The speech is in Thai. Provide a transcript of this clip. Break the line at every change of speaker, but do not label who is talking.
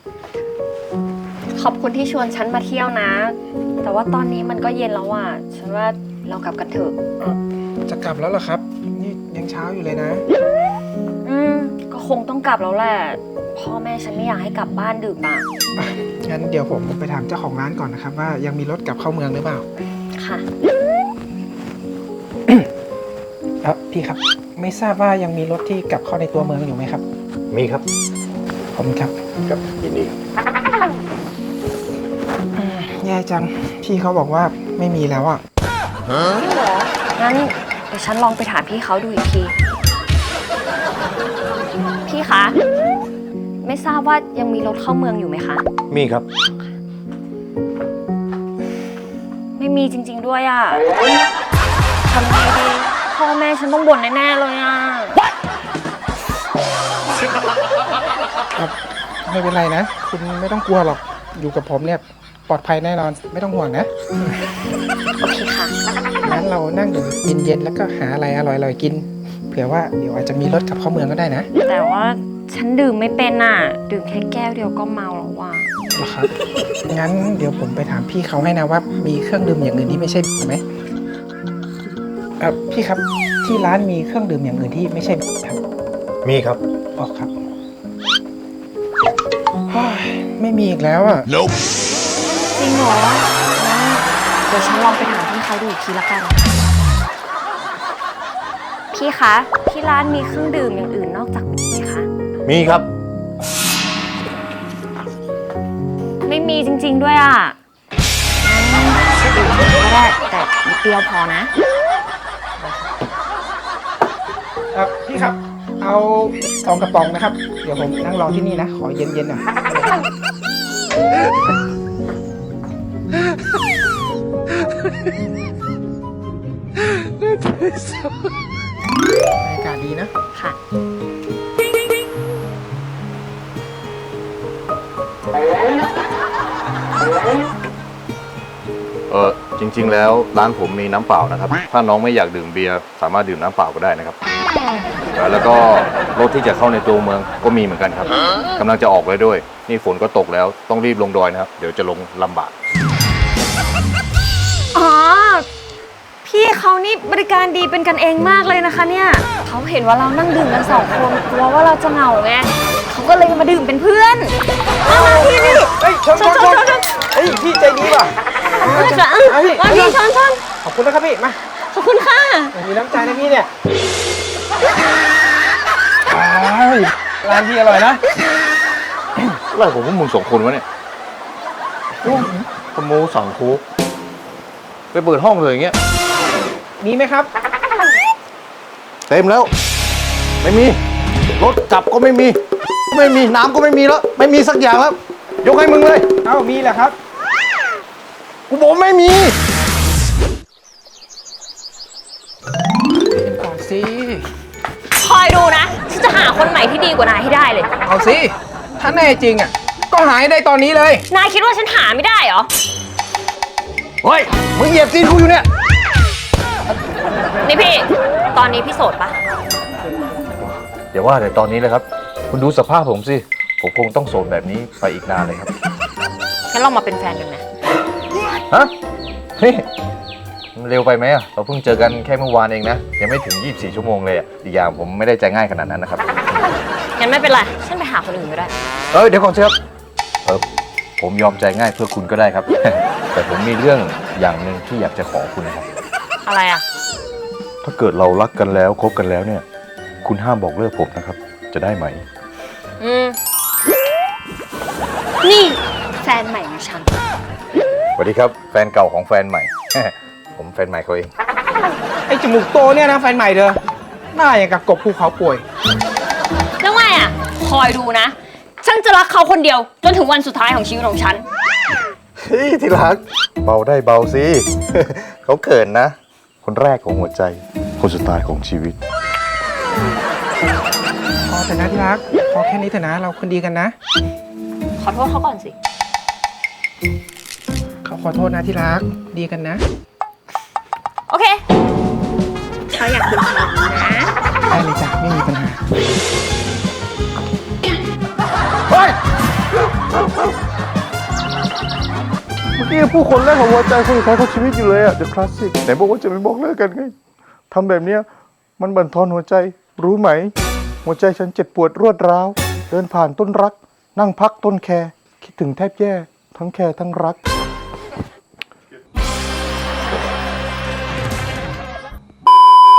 ขอบคุณที่ชวนฉันมาเที่ยวนะ แต่ว่าตอนนี้มันก็เย็นแล้วอ่ะ ฉันว่าเรากลับกันเถอะ
จะกลับแล้วเหรอครับ นี่ยังเช้าอยู่เลยนะ
ก็คงต้องกลับแล้วแหละ พ่อแม่ฉันไม่อยากให้กลับบ้านดึกอ่ะ
งั้นเดี๋ยวผมไปถามเจ้าของร้านก่อนนะครับว่ายังมีรถกลับเข้าเมืองหรือเปล่า
ค่ะ
พี่ครับ ไม่ทราบว่ายังมีรถที่กลับเข้าในตัวเมืองอยู่ไหมครับ
มีครับ
ขอบคุณครับ
ครับยินดี
แย่จัง พี่เขาบอกว่าไม่มีแล้วอ่ะ
จริงเหรอ งั้นเดี๋ยวฉันลองไปถามพี่เขาดูอีกที พี่คะ ไม่ทราบว่ายังมีรถเข้าเมืองอยู่ไหมคะ
มีครับ
ไม่มีจริงๆด้วยอ่ะทำไงดีพ่อแม่ฉันต้องบ่นแน่ๆเลยอ่ะ
ครับไม่เป็นไรนะ คุณไม่ต้องกลัวหรอก อยู่กับผมเนี่ยปลอดภัยแน่นอน ไม่ต้องห่วงนะ
โอเคค่ะ
งั้นเรานั่งดื่มเย็นๆแล้วก็หาอะไรอร่อยๆกิน เผื่อว่าเดี๋ยวอาจจะมีรถกลับเข้าเมืองก็ได้นะ
แต่ว่าฉันดื่มไม่เป็นอ่ะ ดื่มแค่แก้วเดียวก็เมาแล้วว่ะ
เหรอครับ งั้นเดี๋ยวผมไปถามพี่เขาให้นะว่ามีเครื่องดื่มอย่างอื่นที่ไม่ใช่ไหมพี่ครับที่ร้านมีเครื่องดื่มอย่างอื่นที่ไม่ใช่ครับ
มีครับ
อ๋อครับโอ้ยไม่มีอีกแล้วอ่ะ
จริงเหรองั้นเดี๋ยวฉันลองไปถามพี่เขาดูอีกทีละกัน พี่คะ ที่ร้านมีเครื่องดื่มอย่างอื่นนอกจากไหมคะ
มีครับ
ไม่มีจริงๆด้วยอ่ะงั้นดื่มก็ได้แต่นิดเดียวพอนะ
พี่ครับ เอา2 กระป๋องนะครับ เดี๋ยวผมนั่งรอที่นี่นะ ขอเย็นๆหน่อยบรรยากาศดีนะ
ค่ะ
จริงๆแล้วร้านผมมีน้ำเปล่านะครับ ถ้าน้องไม่อยากดื่มเบียร์สามารถดื่มน้ำเปล่าก็ได้นะครับ แล้วก็รถที่จะเข้าในตัวเมืองก็มีเหมือนกันครับกำลังจะออกเลยด้วย นี่ฝนก็ตกแล้วต้องรีบลงดอยนะครับ เดี๋ยวจะลงลำบาก
อ๋อ พี่เขานี่บริการดีเป็นกันเองมากเลยนะคะเนี่ย เขาเห็นว่าเรานั่งดื่มกัน2 คนกลัวว่าเราจะเหงาไงเขาก็เลยมาดื่มเป็นเพื่อนมาพี่นี่
เฮ้ยชนเฮ้ยพี่ใจดีว่ะ
มาพี่ชน
ขอบคุณนะครับพี่ มา
ขอบคุณค่ะ
มีน้ำใจนะพี่เนี่ยร้านพี่อร่อยนะ
อะไรผมพวกมึง2 คนวะเนี่ยขโมยสั่งโค้กไปเปิดห้องเลยอย่างเงี้ย
มีไหมครับ
เต็มแล้ว ไม่มี รถจับก็ไม่มี ไม่มีน้ำก็ไม่มีแล้ว ไม่มีสักอย่างแล้ว ยกให้มึงเลย
เอ้ามีแหละครับ
กูบอกไม่มี
ก่อนสิ
คอยดูนะ ฉันจะหาคนใหม่ที่ดีกว่านายให้ได้เลย
เอาสิ ถ้าแน่จริงอ่ะ ก็หายได้ตอนนี้เลย
นายคิดว่าฉันหาไม่ได้เหรอ
เฮ้ย มึงเหยียบตีนกูอยู่เนี่ย
นี่พี่ ตอนนี้พี่โสดปะ
อย่าว่าแต่ตอนนี้เลยครับ คุณดูสภาพผมสิ ผมคงต้องโสดแบบนี้ไปอีกนานเลยครับ
งั้นลองมาเป็นแฟนกันนะ
ฮะ เฮ้ยมันเร็วไปไหมอะเราเพิ่งเจอกันแค่เมื่อวานเองนะ ยังไม่ถึง 24 ชั่วโมงเลยอะอีกอย่างผมไม่ได้ใจง่ายขนาดนั้นนะครับ
งั้นไม่เป็นไร ฉันไปหาคนอื่นก็ได้
เดี๋ยวก่อนเชฟผมยอมใจง่ายเพื่อคุณก็ได้ครับ แต่ผมมีเรื่องอย่างหนึ่งที่อยากจะขอคุณนะครับ
อะไรอ่ะ
ถ้าเกิดเรารักกันแล้วคบกันแล้วเนี่ย คุณห้ามบอกเลิกผมนะครับ จะได้ไหม
นี่แฟนใหม่ของฉัน
สวัสดีครับแฟนเก่าของแฟนใหม่ ผมแฟนใหม่เขาเอง
ไอ้จมูกโตเนี่ยนะแฟนใหม่เธอ หน้าอย่างกับกบภูเขาป่วย
แล้วไงอ่ะ คอยดูนะ ฉันจะรักเขาคนเดียวจนถึงวันสุดท้ายของชีวิตของฉัน
เฮ้ยที่รักเบาได้เบาสิ เขาเขินนะ คนแรกของหัวใจ คนสุดท้ายของชีวิต
พอเถอะนะที่รัก พอแค่นี้เถอะนะ เราคนดีกันนะ
ขอโทษเขาก่อนสิ
เขาขอโทษนะที่รัก ดีกันนะ
โอเคเขาอยากเป็นแฟนนะ
ได้เลยจ้ะ ไม่มีปัญหา
เฮ้ย
นี่ผู้คนแรกของหัวใจคนสุดท้ายของชีวิตอยู่เลยอะ The Classic ไหนบอกว่าจะไม่บอกเลิกกันไงทำแบบเนี้ยมันบั่นทอนหัวใจรู้ไหม หัวใจฉันเจ็บปวดรวดร้าวเดินผ่านต้นรัก นั่งพักต้นแคคิดถึงแทบแย่ทั้งแคทั้งรัก